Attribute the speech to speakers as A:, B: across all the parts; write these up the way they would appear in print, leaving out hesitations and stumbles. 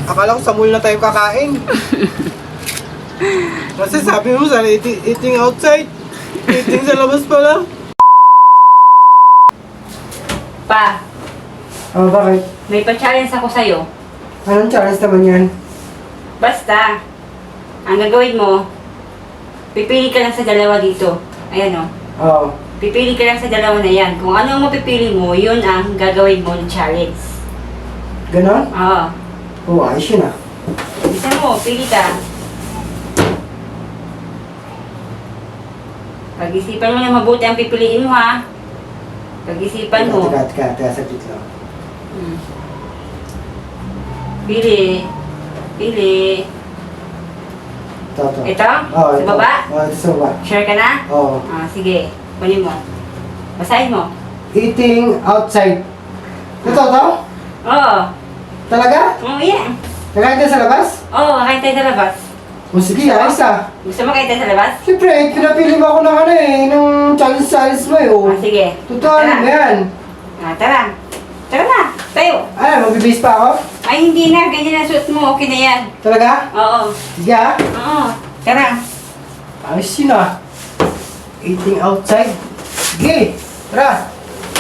A: Akala ko sa mall na tayo kakain. Kasi sabi mo sa eating outside. Eating sa labas pala.
B: Pa,
A: Oh, bakit?
B: may pa-challenge ako sa'yo.
A: Anong challenge naman yan?
B: Basta, ang gagawin mo, pipili ka lang sa dalawa dito. Ayan o.
A: Oo.
B: Pipili ka lang sa dalawa na yan. Kung ano ang mapipili mo, yun ang gagawin mo ng challenge.
A: Ganon?
B: Oo.
A: Oo, ayos yun ah.
B: Bisa mo, pili ka. Pag-isipan mo na mabuti ang pipiliin mo ha. Pag-isipan mo.
A: Teka, saglit lang.
B: Pili. Pili.
A: Ito.
B: Ito?
A: Oo,
B: Sa baba?
A: Oo, ito sa baba.
B: Share ka na?
A: Oo.
B: Sige. Kunin mo. Basahin mo.
A: Eating outside. Ito?
B: Oo.
A: Talaga?
B: Oo, yeah.
A: Nakain tayo sa labas?
B: Oo, kain tayo sa labas.
A: O sige, ayos ah.
B: Gusto mo kain tayo sa labas?
A: Siyempre, pinapili mo ako ng ano eh, ng challenge mo eh. Oh.
B: Sige.
A: Totoo ano yan?
B: Tara. Tara na. Tayo.
A: Ano, magbibis pa ako?
B: Ay, hindi na. Ganyan na suot mo. Okay na yan.
A: Talaga?
B: Oo.
A: Sige ah.
B: Oo. Tara.
A: Ayos yun ah. Eating outside. Sige, tara.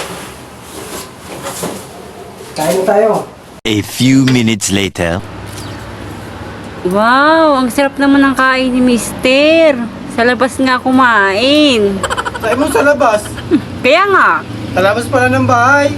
A: Kain na tayo.
C: A few minutes later.
B: Wow, ang sarap naman ng kain ni Mister. Sa labas nga kumain.
A: Kain mo sa labas.
B: Kaya nga.
A: Sa labas pala ng bahay.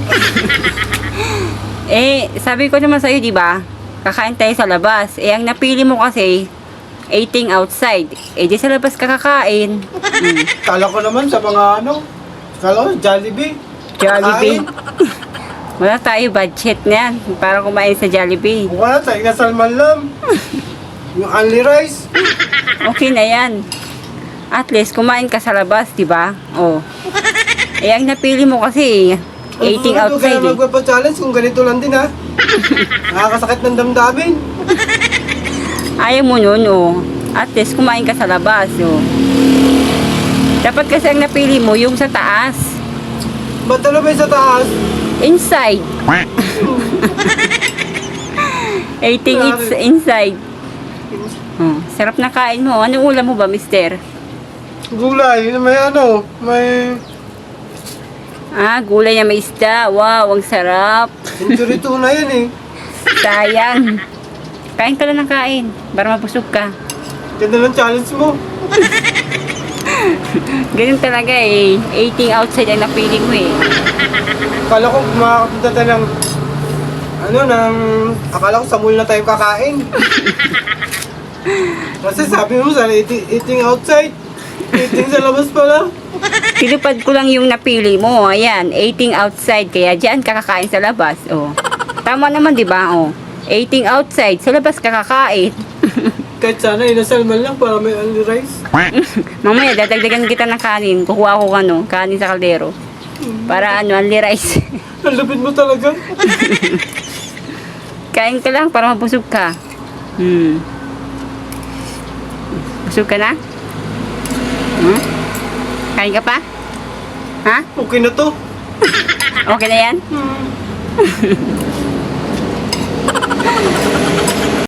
B: Sabi ko naman sa'yo, di ba? Kakain tayo sa labas. Ang napili mo kasi, eating outside. Di sa labas ka kakain.
A: Kala ko naman sa mga ano. Kala ko Jollibee.
B: Jollibee.
A: Kain.
B: Wala tayo budget niyan para kumain sa Jollibee.
A: Wala, tayo na salman lang. Yung only rice.
B: Okay na yan. At least, kumain ka sa labas, di ba? Oh. Ang napili mo kasi, eating outside.
A: Kaya magpapa-challenge kung ganito lang din ha. Nakakasakit ng damdamin.
B: Ayaw mo nun, oh. At least, kumain ka sa labas, oh. Dapat kasi ang napili mo, yung sa taas.
A: Ba't ano ba yung sa taas?
B: Inside. Eating it's inside. Oh, sarap na kain mo. Anong ulam mo ba, mister?
A: Gulay, may ano, may...
B: Gulay na may isda. Wow, ang sarap.
A: Injury tuna yan eh.
B: Sayang. Kain ka lang ng kain para mabusog ka.
A: Ganda ng challenge mo.
B: Ganun talaga eh. Eating outside ang napili mo eh.
A: Akala ko makakapunta tayo ng... Akala ko sa mall na tayo kakain. Kasi sabi mo sa eating outside. Eating sa labas pala.
B: Tinupad ko lang yung napili mo. Ayan, eating outside. Kaya dyan ka kakain sa labas. Oh. Tama naman, di ba? Oh. Eating outside. Sa labas ka kakain.
A: Kahit sana inasalman lang para may only rice.
B: Mamaya, dadagdagan kita ng kanin. Kukuha ko kanin sa kaldero. Para only rice.
A: Ang lupit mo talaga.
B: Kain ka lang para mabusog ka. Busog ka na? Kain ka pa? Ha?
A: Okay na to.
B: Okay na yan?